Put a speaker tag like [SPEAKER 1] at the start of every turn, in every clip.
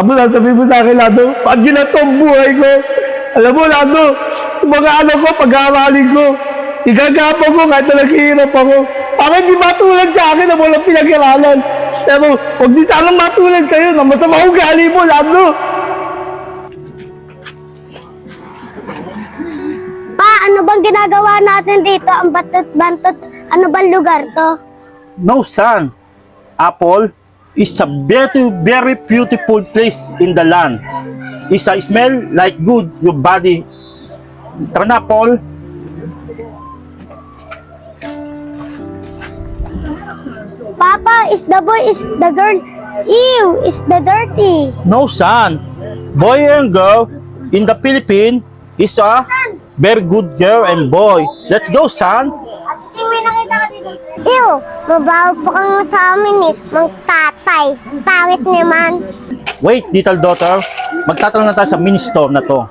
[SPEAKER 1] Abo, sasabihin mo sa akin, Lando, pag ginato ang buhay ko. Alam mo, Lando, yung mga anak ko, pag-aaralin ko, igagapo ko kahit na naghihirap ako. Para hindi matulad sa akin na walang pinag-aralan. Pero, huwag di sanang matulad kayo na masama ugali mo, Lando.
[SPEAKER 2] Pa, ano bang ginagawa natin dito? Ang batot-bantot, ano bang lugar to?
[SPEAKER 3] No, son. Apple is a very, very beautiful place in the land. It's a smell like good your body. Tara na, Paul.
[SPEAKER 2] Papa, is the boy, is the girl, ew, is the dirty.
[SPEAKER 3] No, son. Boy and girl in the Philippines is a very good girl and boy. Let's go, son.
[SPEAKER 2] Ew, mabaho po kang sa amin eh, mang tatay. Pangit naman.
[SPEAKER 3] Wait, little daughter. Magtatanong na tayo sa mini store na to.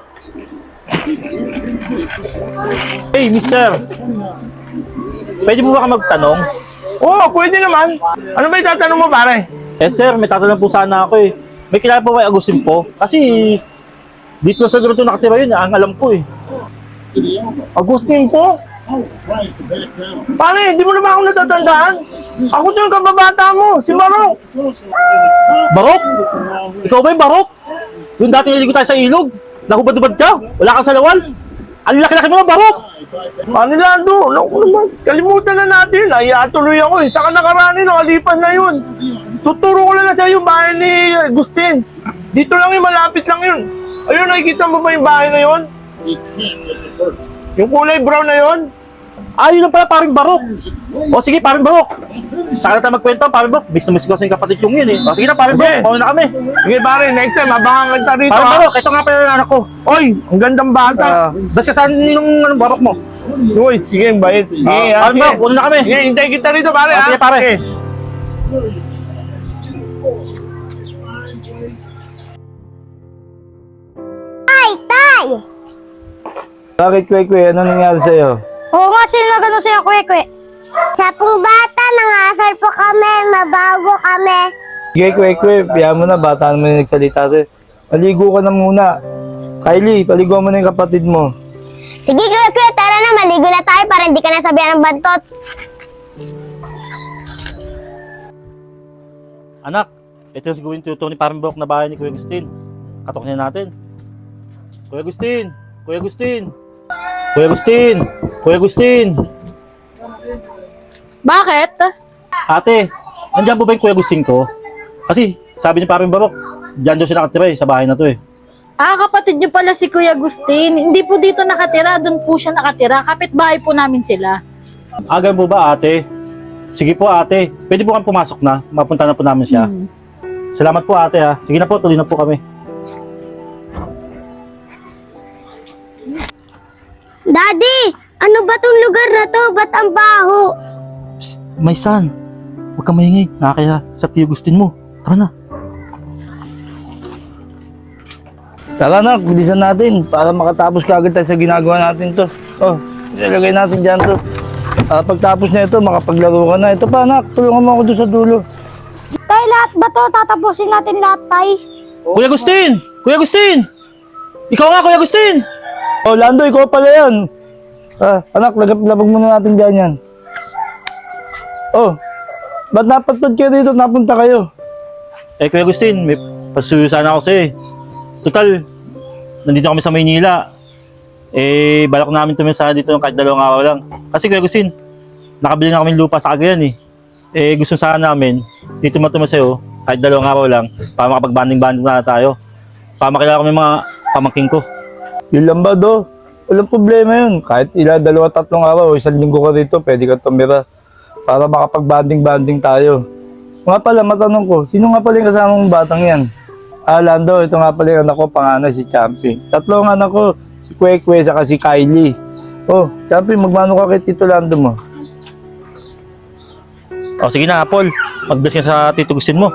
[SPEAKER 3] Hey, mister. Pwede mo ba ka magtanong?
[SPEAKER 1] Oo, pwede naman. Ano ba itatanong mo, pare?
[SPEAKER 3] Eh, sir, may tatanong po sana ako eh. May kilala po ba yung Agustin po? Kasi dito sa grupo nakatira yun, ang alam ko eh.
[SPEAKER 1] Agustin po? Pare, hindi mo na ba ako natatandaan? Ako to yung kababata mo, si Barok.
[SPEAKER 3] Barok? Ikaw ba yung Barok? Yung dati niligo tayo sa ilog? Nahubad-ubad ka? Wala kang salawal? Ang laki-laki mo na, Barok!
[SPEAKER 1] Ano Lando? Naku naman, kalimutan na natin. Ay, tuloy ako eh. Saka nakarani, nakalipas na yun. Tuturo ko lang sa yung bahay ni Agustin. Dito lang yun, malapit lang yun. Ayun, nakikita mo ba yung bahay na yun? Yung kulay brown na yun?
[SPEAKER 3] Ah, yun lang pala, paring Barok. O sige, paring Barok. Saka na tayo magkwento, paring Barok. Bis na miss ko sa yung kapatid kong yun eh. O sige na, paring Barok. Pauwi na kami.
[SPEAKER 1] Sige pare, next time, abangan kita rito.
[SPEAKER 3] Paring
[SPEAKER 1] ha?
[SPEAKER 3] Barok, ito nga pala yung anak ko.
[SPEAKER 1] Oy, ang gandang bata.
[SPEAKER 3] Basta saan ninong anong Barok mo?
[SPEAKER 1] Uy, sige, ang bait. Sige,
[SPEAKER 3] Paring Barok, una na kami.
[SPEAKER 1] Sige, hintay kita rito pare.
[SPEAKER 3] Sige, pare.
[SPEAKER 1] Sige.
[SPEAKER 2] Tay, tay!
[SPEAKER 1] Bakit, Kwekwe? Ano nangyari sa'yo?
[SPEAKER 2] Oo nga, sino na gano'n sa'yo, kwekwe? Sa pong bata, nangasar po kami, mabago kami.
[SPEAKER 1] Sige, Kwekwe, piyan mo na. Bata naman yung nagsalita sa'yo. Maligo ka na muna. Kylie, paligo mo na yung kapatid mo.
[SPEAKER 2] Sige, kwekwe, tara na, maligo na tayo para hindi ka nasabihan ng bantot.
[SPEAKER 3] Anak, ito yung siguro yung tuto ni paring Barok na bahay ni Kuya Agustin. Katok niya natin. Kuya Agustin! Kuya Agustin! Kuya Agustin! Kuya Agustin!
[SPEAKER 4] Bakit?
[SPEAKER 3] Ate, nandiyan po ba yung Kuya Agustin ko? Kasi sabi ni paring Barok, diyan daw siya nakatira eh, sa bahay na to eh.
[SPEAKER 4] Ah, kapatid niyo pala si Kuya Agustin. Hindi po dito nakatira, doon po siya nakatira. Kapitbahay po namin sila.
[SPEAKER 3] Agan po ba ate? Sige po ate, pwede po kami pumasok na, mapunta na po namin siya. Salamat po ate ha. Sige na po, tuloy na po kami.
[SPEAKER 2] Daddy, ano ba tong lugar na to? Ba't ang baho?
[SPEAKER 3] Psst, my son, huwag kang maingay, nakakaya sa Kuya Agustin mo. Tara na.
[SPEAKER 1] Tara na, bilisan natin para makatapos ka agad tayo sa ginagawa natin to. Oh, ilalagay natin dyan to. Pagtapos na ito, makapaglaro ka na. Ito pa anak, tulungan mo ako doon sa dulo.
[SPEAKER 2] Tay, lahat ba to? Tatapusin natin lahat, tay.
[SPEAKER 3] Kuya Agustin! Kuya Agustin! Ikaw nga, Kuya Agustin!
[SPEAKER 1] Oh, Lando, ikaw pala yan. Anak, labag muna natin dyan yan. Oh, ba't napatod kayo dito? Napunta kayo.
[SPEAKER 3] Eh, Kuya Agustin, may pasuyo sana ako sa'yo eh. Total, nandito kami sa Maynila. Eh, balak namin tumisahan dito ng kahit 2 araw lang. Kasi Kuya Agustin, nakabili na kami lupa sa Cagayan eh. Eh, gusto sana namin, dito matuma sa'yo, kahit 2 araw lang, para makapag-banding-banding na tayo. Para makilala kami mga pamangking ko.
[SPEAKER 1] Yun lang ba, do? Walang problema yun. Kahit 2, 3 araw, 1 linggo ka rito, pwede ka tumira. Para makapag-banding-banding tayo. Nga pala, matanong ko, sino nga pala yung kasama mong batang yan? Lando, ito nga pala yung anak ko, panganay si Champi. 3 anak ko, si Kwekwe, saka si Kylie. Oh, Champi, magmano ka kay Tito Lando mo?
[SPEAKER 3] O sige na, Apple, mag-bless ka sa Tito Agustin mo.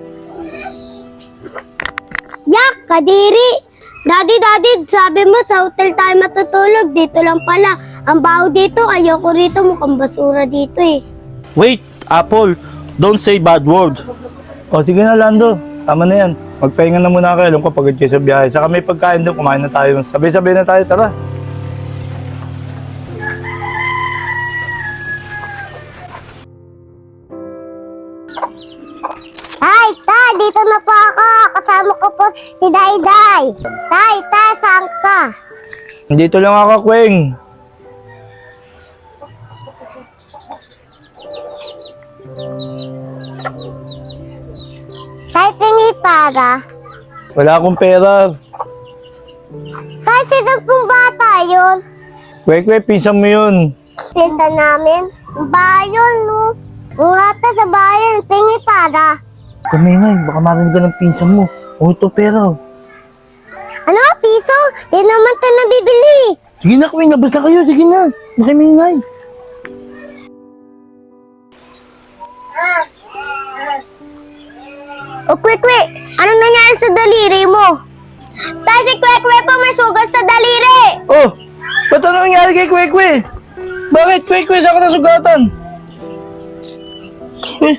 [SPEAKER 2] Yak, kadiri! Daddy, sabi mo sa hotel tayo matutulog. Dito lang pala. Ang baho dito, ayoko rito. Mukhang basura dito eh.
[SPEAKER 3] Wait, Apple, don't say bad word.
[SPEAKER 1] O, sige na, Lando. Tama na yan. Magpahinga na muna kayo. Alam ko pagod kayo sa biyahe. Saka may pagkain doon. Kumain na tayo. Sabay-sabay na tayo. Tara.
[SPEAKER 2] Tay, tay, dito na po ako. Kasama ko po si Dayday. Tay, tay, saan ka?
[SPEAKER 1] Dito lang ako, Kweng.
[SPEAKER 2] Tay, tingi para.
[SPEAKER 1] Wala akong pera.
[SPEAKER 2] Tay, sino pong bata yun?
[SPEAKER 1] Kwek, pinsan mo yun.
[SPEAKER 2] Pinsan namin. Bayon, no? Ungata sa bayan, tingi para.
[SPEAKER 1] Kumingay, baka marinig ka ng pinsan mo. O ito pera.
[SPEAKER 2] Ano, piso? Di naman ito nabibili.
[SPEAKER 1] Sige na, Kweng. Labas na kayo. Sige na. Makimingay.
[SPEAKER 2] O, Kwek-Kwek, anong nangyari sa daliri mo? Tay, si Kwek-Kwek po may sugat sa daliri.
[SPEAKER 1] Oh! Ba't ano nangyari kay Kwek? Bakit, Kwek? Saan ka nasugatan? Eh?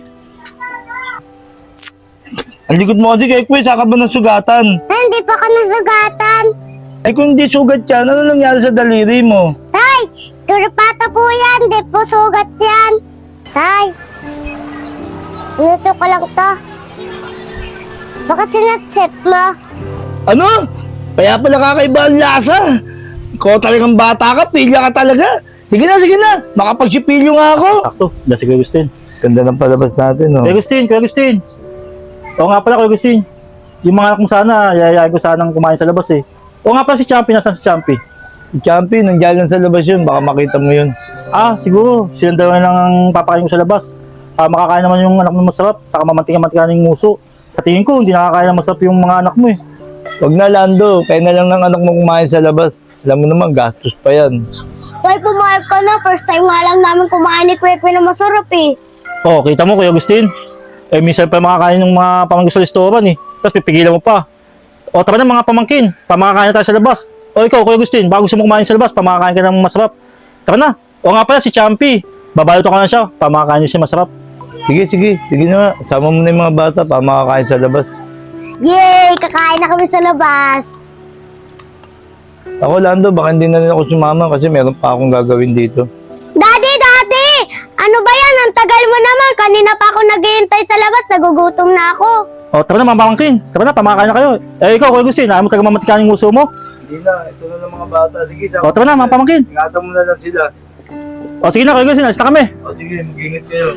[SPEAKER 1] Ang likod mo kasi, Kwek. Saan ka ba nasugatan?
[SPEAKER 2] Ay, hindi pa ka nasugatan.
[SPEAKER 1] Ay, kung hindi sugat yan, ano nangyari sa daliri mo?
[SPEAKER 2] Tay, kuripata po yan. Di po sugat yan. Tay, minuto ko lang to. Baka sinatsip mo.
[SPEAKER 1] Ano? Kaya pala kakaiba ang lasa. Ikaw talagang bata ka, pilya ka talaga. Sige na. Makapagsipilyo nga ako.
[SPEAKER 3] Sakto, dahil si Kuya Agustin.
[SPEAKER 1] Ganda ng palabas natin, oh.
[SPEAKER 3] Kuya Agustin. Oo nga pala, Kuya Agustin. Yung mga anak kong sana, yayayain ko sanang kumain sa labas eh. Oo nga pala si Champi, nasaan si Champi?
[SPEAKER 1] Si Champi, nandiyan lang sa labas yun. Baka makita mo yun.
[SPEAKER 3] Ah, siguro. Silang dalawa lang ang papakain ko sa labas. Makakain naman yung anak mo masarap, saka mamantika-mantika ng nguso. Sa tingin ko, hindi nakakain ng masarap yung mga anak mo eh.
[SPEAKER 1] Huwag na, Lando. Kaya na lang ng anak mo kumain sa labas. Alam mo naman, gastos pa yan.
[SPEAKER 2] Tay, pumayag ka na. First time nga lang namin kumain ni Kwek-Kwek na masarap eh.
[SPEAKER 3] Oh, kita mo Kuya Agustin. Eh, minsan pa makakain ng mga pamangkin sa restoran eh. Tapos pipigilan mo pa. O, tara na mga pamangkin. Pamakakain na tayo sa labas. O, ikaw, Kuya Agustin, bago gusto mo kumain sa labas, pamakakain ka ng masarap. Tara na. O nga pala, si Champi. Babalot ko na siya. Pamakakain niya siya masarap.
[SPEAKER 1] Sige na nga. Sama mo na yung mga bata pa makakain sa labas.
[SPEAKER 2] Yay! Kakain na kami sa labas.
[SPEAKER 1] Ako, Lando, baka hindi na rin ako sumama kasi meron pa akong gagawin dito.
[SPEAKER 2] Daddy! Ano ba yan? Ang tagal mo naman. Kanina pa ako naghihintay sa labas. Nagugutom na ako.
[SPEAKER 3] O, tara na mga pamangkin. Tara na, pamakakain na kayo. Eh, ikaw, Kuya Agustin, ayaw mo talaga mamatikain yung nguso mo?
[SPEAKER 1] Hindi na, ito na lang mga bata. Sige,
[SPEAKER 3] O, tara na mga pamangkin.
[SPEAKER 1] ingatan mo na lang sila.
[SPEAKER 3] O, sige na, Kuya Agustin, alis na kami.
[SPEAKER 1] O sige, mag-ingat kayo.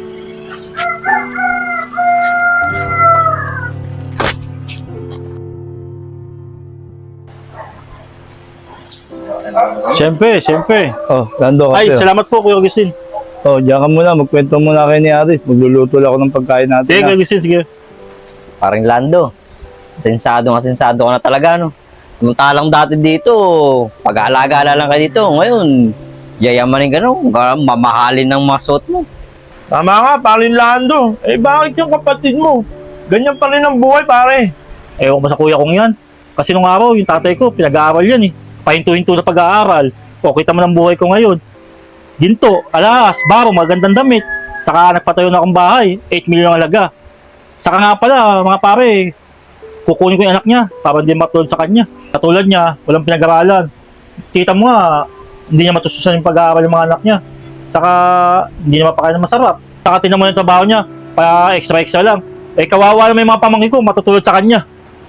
[SPEAKER 3] Siyempre.
[SPEAKER 1] Oh, Lando,
[SPEAKER 3] Ay,
[SPEAKER 1] kasi.
[SPEAKER 3] salamat po, Kuya Agustin.
[SPEAKER 1] Oh, diyan ka muna. Magkwento muna kayo ni Aris. Magluluto lang ako ng pagkain natin.
[SPEAKER 3] Sige,
[SPEAKER 1] ha?
[SPEAKER 3] Kuya Agustin, sige.
[SPEAKER 5] Parang Lando. Asensado ka na talaga, no? Samantalang dati dito, pag-aalaga lang ka dito. Ngayon, yayamanin ka, no? Mamahalin ng mga suot mo.
[SPEAKER 6] Tama nga, parin Lando. Eh bakit yung kapatid mo? Ganyan pa rin ang buhay, pare.
[SPEAKER 3] Ewan ko ba sa kuya kong yan? Kasi nung araw, yung tatay ko, pinag-aaral yan eh. Pahinto-hinto na pag-aaral. O, kita mo ng buhay ko ngayon. Ginto, alas, baro, magandang damit. Saka nagpatayo na akong bahay, 8 million ang halaga. Saka nga pala, mga pare, kukunin ko yung anak niya para hindi matulad sa kanya. Katulad niya, walang pinag-aralan. Kita mo nga, hindi niya matususan yung pag-aaral ng mga anak niya. Saka, hindi niya mapakain ng masarap. Saka tinan mo yung trabaho niya, pa extra lang. Eh, kawawa naman yung mga pamangkin ko, matutulad sa kanya.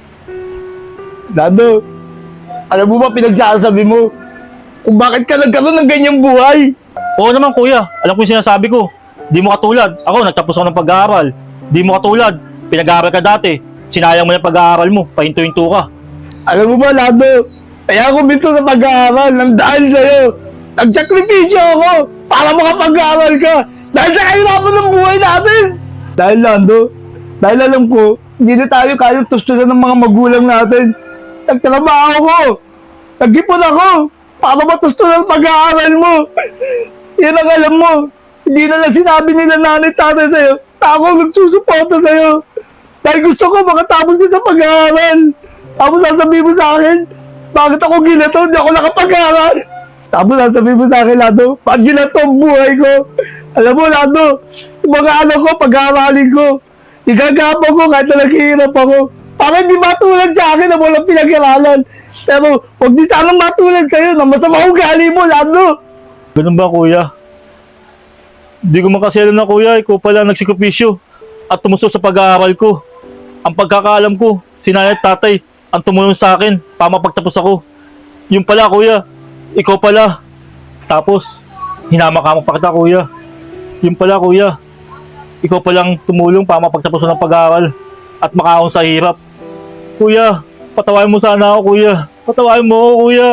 [SPEAKER 1] Lando, alam mo ba pinagsasabi mo? Kung bakit ka nagkaroon ng ganyang buhay?
[SPEAKER 3] Oo naman kuya, alam ko yung sinasabi ko. Di mo katulad. Ako, nagtapos ako ng pag-aaral. Di mo katulad. Pinag-aaral ka dati. Sinayang mo yung pag-aaral mo. Pahinto-hinto ka.
[SPEAKER 1] Alam mo ba, Lando? Kaya ako minto sa pag-aaral ng dahil sa'yo. Nagsakripisyo ako para makapag-aaral ka. Dahil sa kahirapan ng buhay natin. Dahil, Lando, dahil alam ko, hindi na tayo kayang tustusan ng mga magulang natin. Nagtrabaho ko. Nag-ipon ako para matustusan ang pag-aaral mo. Yan ang alam mo. Hindi na lang sinabi nila nanay tatay sa'yo. Ako ang nagsusuporta sa'yo. Dahil gusto ko makatapos din sa pag-aaral. Tapos sasabihin mo sa akin, bakit ako ginato? Hindi ako nakapag-aaral. Tapos sasabihin mo sa akin, Lando, bakit ginato ang buhay ko? Alam mo, Lando, yung mga anak ko, pag-aaralin ko. Igagapa ko kahit na naghihirap ako. Para hindi matulad sa akin na walang pinag-aralan. Pero huwag di sanang matulad sa'yo na masama ugali mo, Lando.
[SPEAKER 3] Ganun ba, kuya? Hindi ko man kasi alam na, kuya, ikaw pala nagsikupisyo at tumuso sa pag-aaral ko. Ang pagkakaalam ko, si nanay at tatay ang tumulong sa akin para mapagtapos ako. Yung pala, kuya, ikaw pala. Tapos, hinama-kama pa kita, kuya. Yung pala, kuya, ikaw palang tumulong para mapagtapos ng pag-aaral at makaahon sa hirap. Kuya, patawain mo sana ako, kuya. Patawain mo ako, kuya.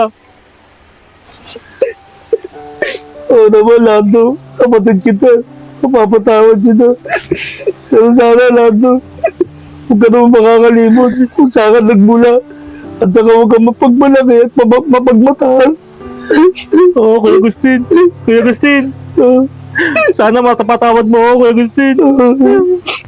[SPEAKER 1] Oo naman, Lando. Kapatid kita. Mapapatawad kita. Pero sana, Lando, huwag ka naman makakalimot kung saan ka nagmula. At saka huwag ka mapagmalaki at mapagmataas.
[SPEAKER 3] Oo, Kuya Agustin. Kuya Agustin. Sana matapatawad mo ako, Kuya Agustin.